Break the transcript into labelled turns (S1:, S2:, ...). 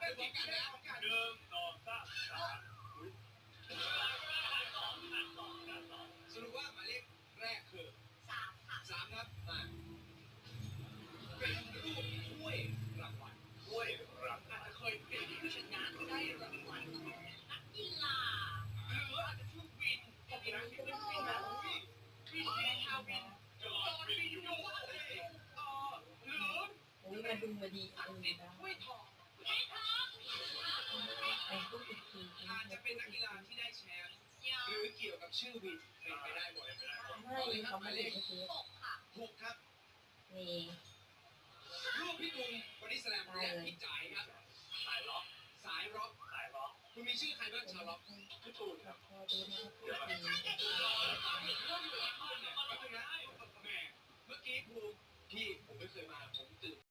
S1: เป็นพร้อมกันนะ
S2: หนึ่งสองสามสาม
S1: สรุปว่าหมายเลขแรกคือ3 ค่ะ3ครับมาเป็นรูปถ้วยรางวัล
S2: ถ้วยรับ
S1: อาจจะเคยเป็นผู้ชนะได้รางวัลนักกีฬาหรืออาจจะชื่อวินก็มีนะที่เป็นวินนะวินชาววินจอดวินอยู่หรือ
S3: มาดูมาดีอัน
S1: ติ
S3: นี้
S1: ด
S3: นะ
S1: ถ้วยทอง
S3: ไอ้พวกติดที
S1: อาจจะเป็นนักกีฬาที่ได้แชมป์หรือเกี่ยวกับชื่อวินเป็นไปได้หมด
S3: ไม่เขาไม่ได้ซื้อ
S1: 6 ครับ
S3: นี่
S1: รูปพี่ตุงบอดี้สแลมและพี่จ๋ายครับ
S2: สายล็อก
S1: สายร็อก
S2: สายล็อก
S1: คุณมีชื่อใครบ้างชาวร็อก
S2: พี่ตูนครับ
S3: พอดูนะครับพวกที
S1: แม่เมื่อกี้ครูพี่ผมไม่เคยมาผมตื่น